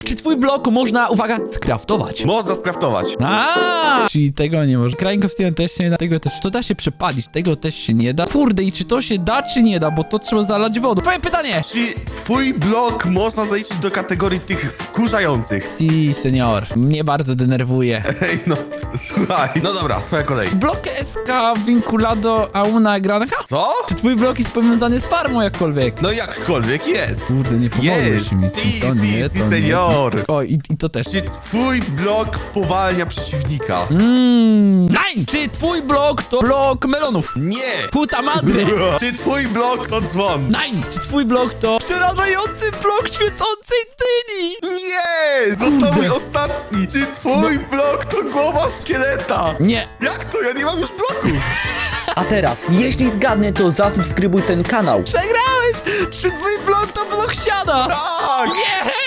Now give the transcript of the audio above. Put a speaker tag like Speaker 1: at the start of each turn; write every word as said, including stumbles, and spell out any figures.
Speaker 1: Czy twój blok można, uwaga, skraftować?
Speaker 2: Można skraftować.
Speaker 1: A, czyli tego nie może. Krainka w stronę też się nie da, tego też. To da się przepalić, tego też się nie da. Kurde, i czy to się da, czy nie da, bo to trzeba zalać wodą. Twoje pytanie!
Speaker 2: Czy twój blok można zaliczyć do kategorii tych wkurzających?
Speaker 1: Si, senior. Mnie bardzo denerwuje.
Speaker 2: Ej, no, słuchaj. No dobra, twoja kolej.
Speaker 1: Blok S K vinculado a una granja?
Speaker 2: Co?
Speaker 1: Czy twój blok jest powiązany z farmą jakkolwiek?
Speaker 2: No jakkolwiek jest.
Speaker 1: Kurde, nie pomożesz
Speaker 2: Jest.
Speaker 1: mi.
Speaker 2: Si,
Speaker 1: To
Speaker 2: si,
Speaker 1: nie,
Speaker 2: si,
Speaker 1: to nie.
Speaker 2: senior.
Speaker 1: O, i, i to też.
Speaker 2: Czy twój blok spowalnia przeciwnika?
Speaker 1: Mmm. Nein! Czy twój blok to blok melonów?
Speaker 2: Nie.
Speaker 1: Puta madre!
Speaker 2: Czy twój blok to dzwon?
Speaker 1: Nein! Czy twój blok to przerażający blok świecącej dyni?
Speaker 2: Nie! Został
Speaker 1: Kurde.
Speaker 2: mój ostatni! Czy twój blok to głowa szkieleta?
Speaker 1: Nie.
Speaker 2: Jak to? Ja nie mam już bloków!
Speaker 3: A teraz, jeśli zgadnę, to zasubskrybuj ten kanał.
Speaker 1: Przegrałeś! Czy twój blok to blok siada?
Speaker 2: Tak!
Speaker 1: Nie!